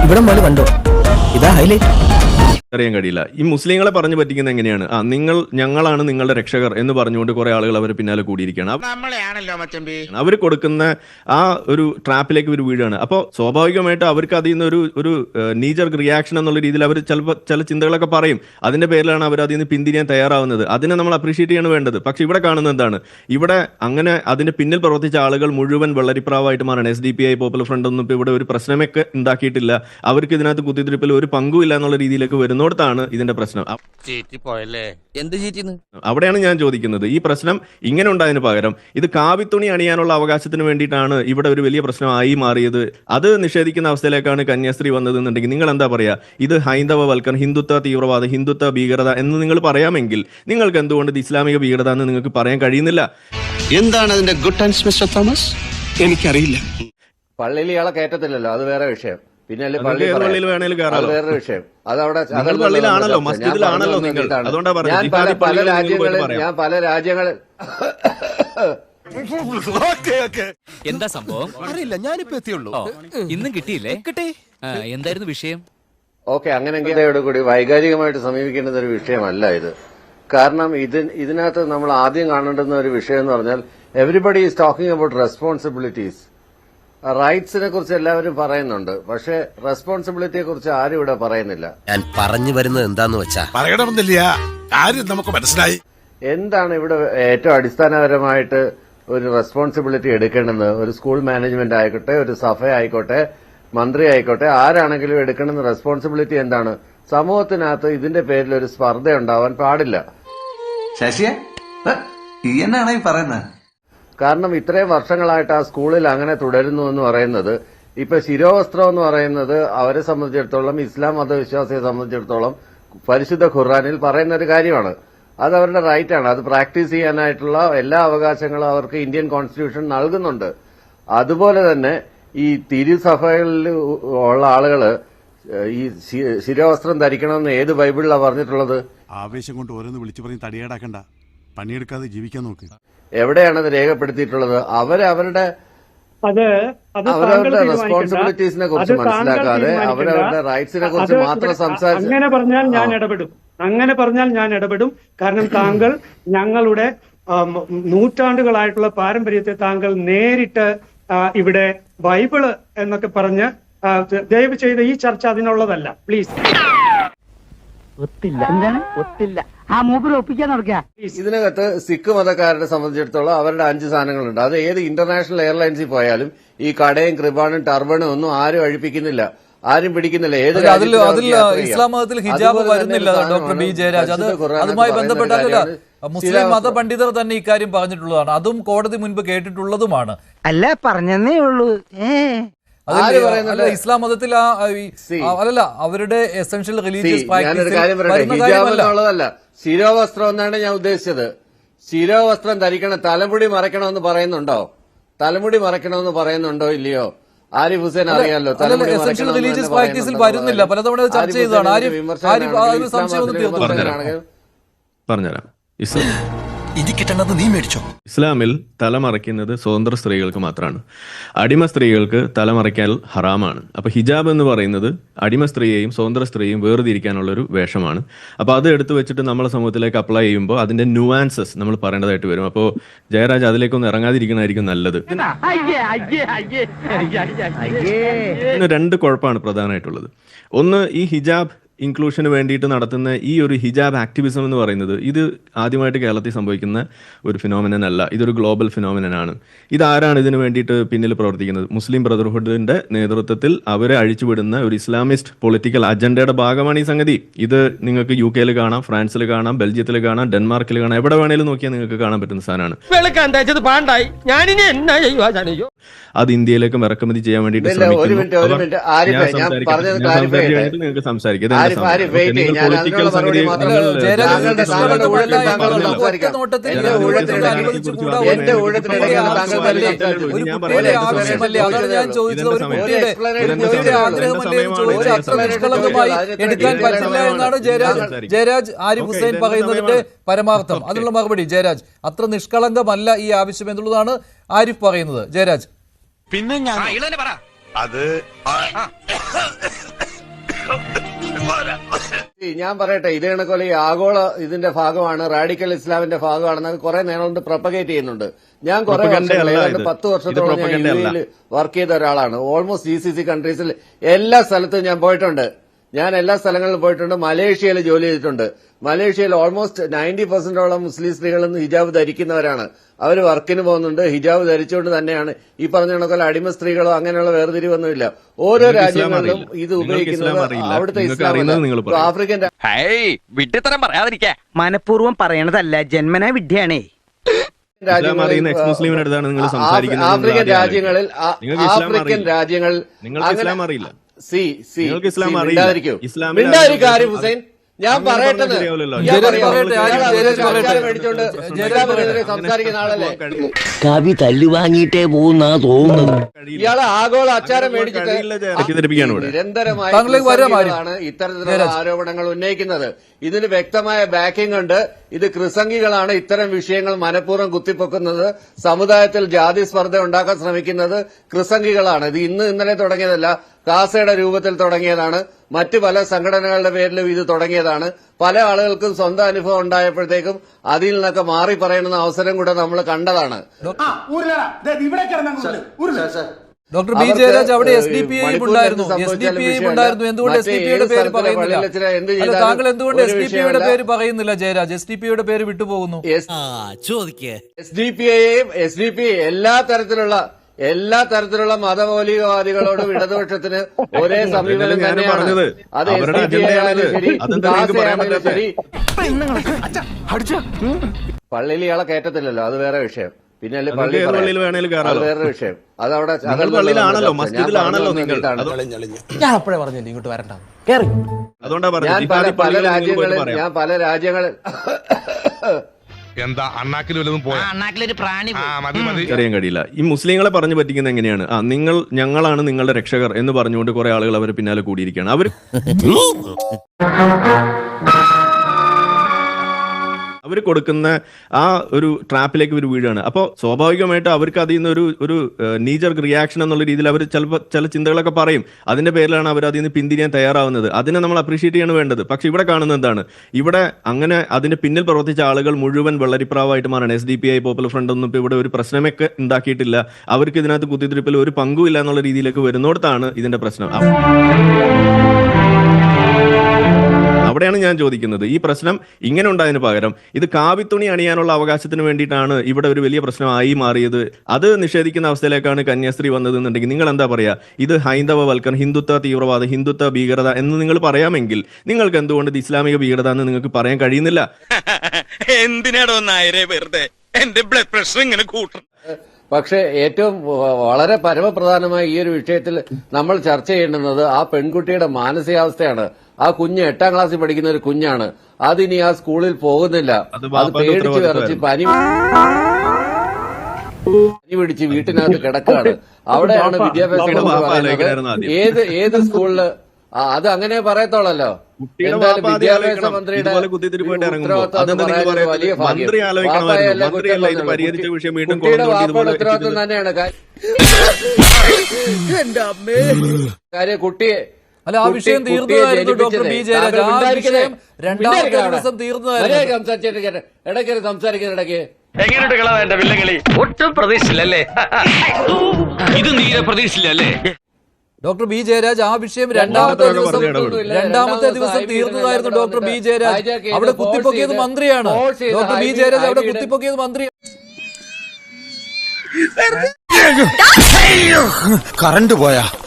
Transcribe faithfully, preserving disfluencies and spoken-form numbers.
ഇവിടെ മുതൽ കണ്ടോ, ഇതാ ഹൈലൈറ്റ്. അറിയാൻ കഴിയില്ല. ഈ മുസ്ലിങ്ങളെ പറഞ്ഞു പറ്റിക്കുന്നത് എങ്ങനെയാണ്? ആ നിങ്ങൾ ഞങ്ങളാണ് നിങ്ങളുടെ രക്ഷകർ എന്ന് പറഞ്ഞുകൊണ്ട് കുറെ ആളുകൾ അവർ പിന്നാലെ കൂടിയിരിക്കുകയാണ്. അവർ കൊടുക്കുന്ന ആ ഒരു ട്രാപ്പിലേക്ക് ഒരു വീഴാണ്. അപ്പോൾ സ്വാഭാവികമായിട്ട് അവർക്ക് അതിൽ നിന്ന് ഒരു ഒരു നീജർ റിയാക്ഷൻ എന്നുള്ള രീതിയിൽ അവർ ചിലപ്പോൾ ചില ചിന്തകളൊക്കെ പറയും. അതിന്റെ പേരിലാണ് അവർ അതിൽ നിന്ന് പിന്തിരിയാൻ തയ്യാറാവുന്നത്. അതിനെ നമ്മൾ അപ്രീഷിയേറ്റ് ചെയ്യാണ് വേണ്ടത്. പക്ഷെ ഇവിടെ കാണുന്നത് എന്താണ്? ഇവിടെ അങ്ങനെ അതിന്റെ പിന്നിൽ പ്രവർത്തിച്ച ആളുകൾ മുഴുവൻ വെള്ളരിപ്രാവായിട്ട് മാറണം. S D P I popular front ഒന്നും ഇപ്പോൾ ഇവിടെ ഒരു പ്രശ്നമൊക്കെ ഉണ്ടാക്കിയിട്ടില്ല. അവർക്ക് ഇതിനകത്ത് കുത്തിത്തിരിപ്പിൽ ഒരു പങ്കുമില്ല എന്നുള്ള രീതിയിലേക്ക് വരുന്നിടത്താണ് ഇതിന്റെ പ്രശ്നം. അവിടെയാണ് ഞാൻ ചോദിക്കുന്നത്, ഈ പ്രശ്നം ഇങ്ങനെ ഉണ്ടായതിന് പകരം ഇത് കാവിത്തുണി അണിയാനുള്ള അവകാശത്തിന് വേണ്ടിയിട്ടാണ് ഇവിടെ ഒരു വലിയ പ്രശ്നമായി മാറിയത്. അത് നിഷേധിക്കുന്ന അവസ്ഥയിലേക്കാണ് കന്യാസ്ത്രീ വന്നതെന്നുണ്ടെങ്കിൽ നിങ്ങൾ എന്താ പറയാ? ഇത് ഹൈന്ദവ വൽക്കരണം, ഹിന്ദുത്വ തീവ്രവാദം, ഹിന്ദുത്വ ഭീകരത എന്ന് നിങ്ങൾ പറയാമെങ്കിൽ നിങ്ങൾക്ക് എന്തുകൊണ്ട് ഇത് ഇസ്ലാമിക ഭീകരത എന്ന് നിങ്ങൾക്ക് പറയാൻ കഴിയുന്നില്ല? എന്താണ് അതിന്റെ ഗുഡ് ടൈംസ് മിസ്റ്റർ തോമസ്? എനിക്കറിയില്ല. പള്ളിയിൽ ഇയാളെ കയറ്റത്തില്ലല്ലോ, അത് വേറെ വിഷയം. പിന്നെ പള്ളിയിൽ വേണേലും കയറാലോ, വേറൊരു വിഷയം. അതവിടെ പള്ളിയിലാണല്ലോ, മസ്ജിദിലാണല്ലോ നിങ്ങൾ. അതുകൊണ്ടാ ഞാൻ പല പല രാജ്യങ്ങളിൽ ഞാൻ പല രാജ്യങ്ങളിൽ എന്താ സംഭവം അറിയില്ല, ഞാനിപ്പോ എത്തിയുള്ളൂ. ഇന്നും കിട്ടിയില്ലേ? കിട്ടി. എന്തായിരുന്നു വിഷയം? ഓക്കെ, അങ്ങനെയെങ്കിലും കൂടി വൈകാരികമായിട്ട് സമീപിക്കേണ്ടുന്ന ഒരു വിഷയമല്ല ഇത്. കാരണം ഇത് ഇതിനകത്ത് നമ്മൾ ആദ്യം കാണേണ്ടുന്ന ഒരു വിഷയം എന്ന് പറഞ്ഞാൽ everybody is talking about responsibilities. റൈറ്റ്സിനെ കുറിച്ച് എല്ലാവരും പറയുന്നുണ്ട്, പക്ഷെ റെസ്പോൺസിബിലിറ്റിയെ കുറിച്ച് ആരും ഇവിടെ പറയുന്നില്ല. ഞാൻ പറഞ്ഞു വരുന്നത് എന്താന്ന് വെച്ചാ പറയണമെന്നില്ല, കാര്യം നമുക്ക് മനസ്സിലായി. എന്താണ് ഇവിടെ ഏറ്റവും അടിസ്ഥാനപരമായിട്ട് ഒരു റെസ്പോൺസിബിലിറ്റി എടുക്കേണ്ടത്? ഒരു സ്കൂൾ മാനേജ്മെന്റ് ആയിക്കോട്ടെ, ഒരു സഭ ആയിക്കോട്ടെ, മന്ത്രി ആയിക്കോട്ടെ, ആരാണെങ്കിലും എടുക്കേണ്ടുന്ന റെസ്പോൺസിബിലിറ്റി എന്താണ്? സമൂഹത്തിനകത്ത് ഇതിന്റെ പേരിൽ ഒരു സ്പർദ്ധ ഉണ്ടാവാൻ പാടില്ല. ശശിയെ എന്നാണ് ഈ പറയുന്നത്? കാരണം ഇത്രയും വർഷങ്ങളായിട്ട് ആ സ്കൂളിൽ അങ്ങനെ തുടരുന്നു എന്ന് പറയുന്നത്, ഇപ്പൊ ശിരോവസ്ത്രം എന്ന് പറയുന്നത് അവരെ സംബന്ധിച്ചിടത്തോളം, ഇസ്ലാം മതവിശ്വാസിയെ സംബന്ധിച്ചിടത്തോളം പരിശുദ്ധ ഖുർആനിൽ പറയുന്ന ഒരു കാര്യമാണ്. അത് അവരുടെ റൈറ്റാണ്. അത് പ്രാക്ടീസ് ചെയ്യാനായിട്ടുള്ള എല്ലാ അവകാശങ്ങളും അവർക്ക് ഇന്ത്യൻ കോൺസ്റ്റിറ്റ്യൂഷൻ നൽകുന്നുണ്ട്. അതുപോലെ തന്നെ ഈ തിരുസഭകളിൽ ഉള്ള ആളുകള് ഈ ശിരോവസ്ത്രം ധരിക്കണമെന്ന് ഏത് ബൈബിളിലാണ് പറഞ്ഞിട്ടുള്ളത്? ആവേശം കൊണ്ട് ഓരോന്ന് വിളിച്ചു പറഞ്ഞ് തടിയേടാക്കണ്ട, പണിയെടുക്കാതെ ജീവിക്കാൻ നോക്ക്. എവിടെയാണത് രേഖപ്പെടുത്തിയിട്ടുള്ളത്? അവരവരുടെ അവരവരുടെ റെസ്പോൺസിബിലിറ്റീസിനെ കുറിച്ച് മനസ്സിലാക്കാതെ അവരവരുടെ റൈറ്റ്സിനെ കുറിച്ച് മാത്രം സംസാരിച്ചു. അങ്ങനെ പറഞ്ഞാൽ ഞാൻ ഇടപെടും അങ്ങനെ പറഞ്ഞാൽ ഞാൻ ഇടപെടും കാരണം താങ്കൾ ഞങ്ങളുടെ നൂറ്റാണ്ടുകളായിട്ടുള്ള പാരമ്പര്യത്തെ താങ്കൾ നേരിട്ട് ഇവിടെ ബൈബിള് എന്നൊക്കെ പറഞ്ഞ് ദയവ് ചെയ്ത് ഈ ചർച്ച അതിനുള്ളതല്ല, പ്ലീസ്. ഒത്തില്ല എന്താണ് ഒത്തില്ല ആ മൂപ്പര് ഒപ്പിക്കാൻ നടക്കുക. ഇതിനകത്ത് സിഖ് മതക്കാരെ സംബന്ധിച്ചിടത്തോളം അവരുടെ അഞ്ച് സാധനങ്ങളുണ്ട്. അത് ഏത് ഇന്റർനാഷണൽ എയർലൈൻസിൽ പോയാലും ഈ കടയും കൃപാണും ടർബണും ഒന്നും ആരും അഴിപ്പിക്കുന്നില്ല, ആരും പിടിക്കുന്നില്ല. ഏത് അതിൽ ഇസ്ലാം മതത്തിൽ ഹിജാബ് വരുന്നില്ല ഡോക്ടർ ബി ജയരാജ്. അത് അതുമായി ബന്ധപ്പെട്ടല്ല, മുസ്ലിം മത പണ്ഡിതർ തന്നെ ഇക്കാര്യം പറഞ്ഞിട്ടുള്ളതാണ്, അതും കോടതി മുൻപ് കേട്ടിട്ടുള്ളതുമാണ്. അല്ല പറഞ്ഞേ ഉള്ളൂ. ഇസ്ലാം മതത്തിൽ അല്ലല്ല, അവരുടെ എസെൻഷ്യൽ റിലീജിയസ് ഹിജാബ് ശിരോവസ്ത്രം എന്നാണ് ഞാൻ ഉദ്ദേശിച്ചത്. ശിരോവസ്ത്രം ധരിക്കണം, തലമുടി മറയ്ക്കണമെന്ന് പറയുന്നുണ്ടോ? തലമുടി മറയ്ക്കണമെന്ന് പറയുന്നുണ്ടോ ഇല്ലയോ? ആരിഫ് ഹുസൈൻ അറിയാലോ, എസെൻഷ്യൽ റിലീജിയസ് പ്രാക്ടീസിൽ വരുന്നില്ല. പലതവണ ചർച്ച ചെയ്തതാണ്. ആരിഫ് സംശയം പറഞ്ഞുതരാം. ഇസ്ലാമിൽ തലമറയ്ക്കുന്നത് സ്വതന്ത്ര സ്ത്രീകൾക്ക് മാത്രമാണ്. അടിമ സ്ത്രീകൾക്ക് തലമറയ്ക്കാൻ ഹറാമാണ്. അപ്പൊ ഹിജാബ് എന്ന് പറയുന്നത് അടിമ സ്ത്രീയെയും സ്വതന്ത്ര സ്ത്രീയെയും വേർതിരിക്കാനുള്ള ഒരു വേഷമാണ്. അപ്പൊ അത് എടുത്തു വെച്ചിട്ട് നമ്മളെ സമൂഹത്തിലേക്ക് അപ്ലൈ ചെയ്യുമ്പോൾ അതിന്റെ ന്യൂവാൻസസ് നമ്മൾ പറയേണ്ടതായിട്ട് വരും. അപ്പോൾ ജയരാജ് അതിലേക്കൊന്നും ഇറങ്ങാതിരിക്കണമായിരിക്കും നല്ലത്. രണ്ട് കുഴപ്പമാണ് പ്രധാനമായിട്ടുള്ളത്. ഒന്ന്, ഈ ഹിജാബ് ഇൻക്ലൂഷന് വേണ്ടിയിട്ട് നടത്തുന്ന ഈ ഒരു ഹിജാബ് ആക്ടിവിസം എന്ന് പറയുന്നത് ഇത് ആദ്യമായിട്ട് കേരളത്തിൽ സംഭവിക്കുന്ന ഒരു ഫിനോമിനൻ അല്ല, ഇതൊരു ഗ്ലോബൽ ഫിനോമിനനാണ്. ഇതാരാണ് ഇതിനു വേണ്ടിയിട്ട് പിന്നിൽ പ്രവർത്തിക്കുന്നത്? മുസ്ലിം ബ്രദർഹുഡിന്റെ നേതൃത്വത്തിൽ അവരെ അഴിച്ചുവിടുന്ന ഒരു ഇസ്ലാമിസ്റ്റ് പൊളിറ്റിക്കൽ അജണ്ടയുടെ ഭാഗമാണ് ഈ സംഗതി. ഇത് നിങ്ങൾക്ക് യു കെയിൽ കാണാം, ഫ്രാൻസിൽ കാണാം, ബെൽജിയത്തിൽ കാണാം, ഡെൻമാർക്കിൽ കാണാം, എവിടെ വേണേലും നോക്കിയാൽ നിങ്ങൾക്ക് കാണാൻ പറ്റുന്ന സാധനമാണ്. അത് ഇന്ത്യയിലേക്കും ഇറക്കുമതി ചെയ്യാൻ വേണ്ടിയിട്ട് നിങ്ങൾക്ക് സംസാരിക്കാം. എടുക്കാൻ പറ്റില്ല എന്നാണ് ജയരാജ് ജയരാജ് ആരിഫ് ഹുസൈൻ പറയുന്നതിന്റെ പരമാർത്ഥം. അതിനുള്ള മറുപടി ജയരാജ്, അത്ര നിഷ്കളങ്കമല്ല ഈ ആവശ്യം എന്നുള്ളതാണ് ആരിഫ് പറയുന്നത്. ജയരാജ്, പിന്നെ ഞാൻ അത് ഞാൻ പറയട്ടെ, ഇതേ കണക്കോലെ ഈ ആഗോള ഇതിന്റെ ഭാഗമാണ്, റാഡിക്കൽ ഇസ്ലാമിന്റെ ഭാഗമാണെന്ന് കുറെ നേരം കൊണ്ട് പ്രൊപ്പഗേറ്റ് ചെയ്യുന്നുണ്ട്. ഞാൻ കുറെ വർഷങ്ങൾ ഏതാണ്ട് പത്ത് വർഷത്തോളം ഞാൻ യു എയിൽ വർക്ക് ചെയ്ത ഒരാളാണ്. ഓൾമോസ്റ്റ് ജി സി സി കൺട്രീസിൽ എല്ലാ സ്ഥലത്തും ഞാൻ പോയിട്ടുണ്ട്. ഞാൻ എല്ലാ സ്ഥലങ്ങളിലും പോയിട്ടുണ്ട്. മലേഷ്യയിൽ ജോലി ചെയ്തിട്ടുണ്ട്. മലേഷ്യയിൽ ഓൾമോസ്റ്റ് നയൻറ്റി പെർസെന്റോളം മുസ്ലിം സ്ത്രീകളും ഹിജാബ് ധരിക്കുന്നവരാണ്. അവർ വർക്കിന് പോകുന്നുണ്ട്. ഹിജാബ് ധരിച്ചുകൊണ്ട് തന്നെയാണ് ഈ പറഞ്ഞ കണക്കുള്ള അടിമ സ്ത്രീകളോ അങ്ങനെയുള്ള വേർതിരിവൊന്നുമില്ല. ഓരോ രാജ്യങ്ങളിലും ഇത് ഉപയോഗിക്കുന്നത് അവിടുത്തെ ഇസ്ലാം ആഫ്രിക്കൻ വിഡ്ഢിത്തരം പറയാതിരിക്കാ. മനഃപൂർവ്വം പറയണതല്ല, ജന്മനാ വിഡ്ഢിയാണേ. ആഫ്രിക്കൻ രാജ്യങ്ങളിൽ ആഫ്രിക്കൻ രാജ്യങ്ങളിൽ സി സി മിണ്ടാതിരിക്കൂ മിണ്ടാതിരിക്കൂ ആരിഫ് ഹുസൈൻ. ഞാൻ പറയട്ടെ, സംസാരിക്കുന്ന ആളല്ലേ. കവി തല്ലുവാങ്ങിയിട്ടേ പോകുന്ന തോന്നുന്നു. ഇയാള് ആഗോള അച്ചാരം മേടിച്ചിട്ട് നിരന്തരമായാണ് ഇത്തരത്തിലുള്ള ആരോപണങ്ങൾ ഉന്നയിക്കുന്നത്. ഇതിന് വ്യക്തമായ ബാക്കിംഗ് ഉണ്ട്. ഇത് കൃസംഗികളാണ് ഇത്തരം വിഷയങ്ങൾ മനഃപൂർവ്വം കുത്തിപ്പൊക്കുന്നത്. സമുദായത്തിൽ ജാതി സ്പർദ്ധ ഉണ്ടാക്കാൻ ശ്രമിക്കുന്നത് കൃസംഗികളാണ്. ഇത് ഇന്ന് ഇന്നലെ തുടങ്ങിയതല്ല, കാസയുടെ രൂപത്തിൽ തുടങ്ങിയതാണ്. മറ്റു പല സംഘടനകളുടെ പേരിലും ഇത് തുടങ്ങിയതാണ്. പല ആളുകൾക്കും സ്വന്തം അനുഭവം ഉണ്ടായപ്പോഴത്തേക്കും അതിൽ നിന്നൊക്കെ മാറി പറയുന്ന അവസരം കൂടെ നമ്മൾ കണ്ടതാണ്. ഡോക്ടർ ബി ജയരാജ്, അവിടെ എസ് ഡി പി ഐ ഉണ്ടായിരുന്നു, എസ് ഡി പി ഐ ഉണ്ടായിരുന്നു. എന്തുകൊണ്ട് എസ് ഡി പി യുടെ പേര് പറയുന്നില്ല? താങ്കൾ എന്തുകൊണ്ട് എസ് ഡി പി യുടെ പേര് പറയുന്നില്ല ജയരാജ്? എസ് ഡി പി യുടെ പേര് വിട്ടുപോകുന്നു. എസ് ഡി പി ഐയും എസ് ഡി പി എല്ലാ തരത്തിലുള്ള എല്ലാ തരത്തിലുള്ള മതമൗലികവാദികളോടും ഇടതുപക്ഷത്തിന് ഒരേ സമീപനം തന്നെയാണ്. അത് എസ് ഡി പി ഐ ആയാലും ശരി, കാസയായാലും ശരി. പള്ളിയിൽ ഇയാളെ കയറ്റത്തില്ലല്ലോ, അത് വേറെ വിഷയം. പിന്നെ അല്ലെ പള്ളി അത് വേറൊരു വിഷയം. അതവിടെ ഞാൻ അപ്പോഴേ പറഞ്ഞില്ല ഇങ്ങോട്ട് വരണ്ട. ഞാൻ പല പല രാജ്യങ്ങളിൽ ഞാൻ പല രാജ്യങ്ങളിൽ എന്താ അണ്ണാക്കിൽ വല്ലതും പോയാ? അണ്ണാക്കിലൊരു പ്രാണി അറിയാൻ കഴിയില്ല. ഈ മുസ്ലിങ്ങളെ പറഞ്ഞു പറ്റിക്കുന്നത് എങ്ങനെയാണ്? ആ നിങ്ങൾ ഞങ്ങളാണ് നിങ്ങളുടെ രക്ഷകർ എന്ന് പറഞ്ഞുകൊണ്ട് കുറെ ആളുകൾ അവർ പിന്നാലെ കൂടിയിരിക്കുകയാണ്. അവർ അവർ കൊടുക്കുന്ന ആ ഒരു ട്രാപ്പിലേക്ക് ഒരു വീഴാണ്. അപ്പോൾ സ്വാഭാവികമായിട്ട് അവർക്ക് അതിൽ നിന്ന് ഒരു ഒരു നീജർക്ക് റിയാക്ഷൻ എന്നുള്ള രീതിയിൽ അവർ ചിലപ്പോൾ ചില ചിന്തകളൊക്കെ പറയും. അതിന്റെ പേരിലാണ് അവർ അതിൽ നിന്ന് പിന്തിരിയാൻ തയ്യാറാവുന്നത്. അതിനെ നമ്മൾ അപ്രീഷിയേറ്റ് ചെയ്യാണ് വേണ്ടത്. പക്ഷെ ഇവിടെ കാണുന്നത് എന്താണ്? ഇവിടെ അങ്ങനെ അതിന്റെ പിന്നിൽ പ്രവർത്തിച്ച ആളുകൾ മുഴുവൻ വെള്ളരിപ്രാവായിട്ട് മാറാണ്. S D P I popular front ഒന്നും ഇപ്പോൾ ഇവിടെ ഒരു പ്രശ്നമൊക്കെ ഉണ്ടാക്കിയിട്ടില്ല. അവർക്ക് ഇതിനകത്ത് കുത്തിത്തിരിപ്പിൽ ഒരു പങ്കുമില്ല എന്നുള്ള രീതിയിലേക്ക് വരുന്നിടത്താണ് ഇതിന്റെ പ്രശ്നം. അവിടെയാണ് ഞാൻ ചോദിക്കുന്നത്, ഈ പ്രശ്നം ഇങ്ങനെ ഉണ്ടായതിന് പകരം ഇത് കാവിത്തുണി അണിയാനുള്ള അവകാശത്തിന് വേണ്ടിയിട്ടാണ് ഇവിടെ ഒരു വലിയ പ്രശ്നമായി മാറിയത്. അത് നിഷേധിക്കുന്ന അവസ്ഥയിലേക്കാണ് കന്യാസ്ത്രീ വന്നതെന്നുണ്ടെങ്കിൽ നിങ്ങൾ എന്താ പറയാ? ഇത് ഹൈന്ദവ വൽക്കരണം, ഹിന്ദുത്വ തീവ്രവാദം, ഹിന്ദുത്വ ഭീകരത എന്ന് നിങ്ങൾ പറയാമെങ്കിൽ നിങ്ങൾക്ക് എന്തുകൊണ്ട് ഇത് ഇസ്ലാമിക ഭീകരത എന്ന് നിങ്ങൾക്ക് പറയാൻ കഴിയുന്നില്ല? എന്തിനാടോ നായരെ വെറുതെ എന്റെ ബ്ലഡ് പ്രഷർ ഇങ്ങനെ കൂട്ടണം. പക്ഷേ ഏറ്റവും വളരെ പരമപ്രധാനമായ ഈ ഒരു വിഷയത്തിൽ നമ്മൾ ചർച്ച ചെയ്യേണ്ടുന്നത് ആ പെൺകുട്ടിയുടെ മാനസികാവസ്ഥയാണ്. ആ കുഞ്ഞ് എട്ടാം ക്ലാസ്സിൽ പഠിക്കുന്ന ഒരു കുഞ്ഞാണ്. അതിനി ആ സ്കൂളിൽ പോകുന്നില്ല. അത് പേടിച്ച് വിറച്ച് പനി പനി പിടിച്ച് വീട്ടിനകത്ത് കിടക്കുകയാണ്. അവിടെയാണ് വിദ്യാഭ്യാസം പറയുന്നത്. ഏത് ഏത് സ്കൂളില് അത് അങ്ങനെ പറയത്തോളല്ലോ. എന്തായാലും വിദ്യാഭ്യാസ മന്ത്രിയുടെ വലിയ ഭാഗ്യം ഉത്തരവാദിത്വം തന്നെയാണ് കാര്യം. കുട്ടിയെ അല്ല, ആ വിഷയം തീർന്നതായിരുന്നു ഡോക്ടർ ബി ജയരാജ്. ആ വിഷയം രണ്ടാമത്തെ ദിവസം തീർന്നതായിരുന്നു. സംസാരിച്ചിട്ട് ഇടയ്ക്ക് സംസാരിക്കുന്ന ഇടയ്ക്ക് എങ്ങനെയുണ്ട് കള എന്റെ വില്ലങ്ങളി? ഒട്ടും പ്രതീക്ഷിച്ചില്ലല്ലേ? ഇത് നീരെ പ്രതീക്ഷിച്ചില്ലല്ലേ? ഡോക്ടർ ബി ജയരാജ്, ആ വിഷയം രണ്ടാമത്തെ ദിവസം രണ്ടാമത്തെ ദിവസം തീർന്നതായിരുന്നു ഡോക്ടർ ബി ജയരാജ്. അവിടെ കുത്തിപ്പൊക്കിയത് മന്ത്രിയാണ്. ഡോക്ടർ ബി ജയരാജ് അവിടെ കുത്തിപ്പൊക്കിയത് മന്ത്രി. കറണ്ട് പോയാ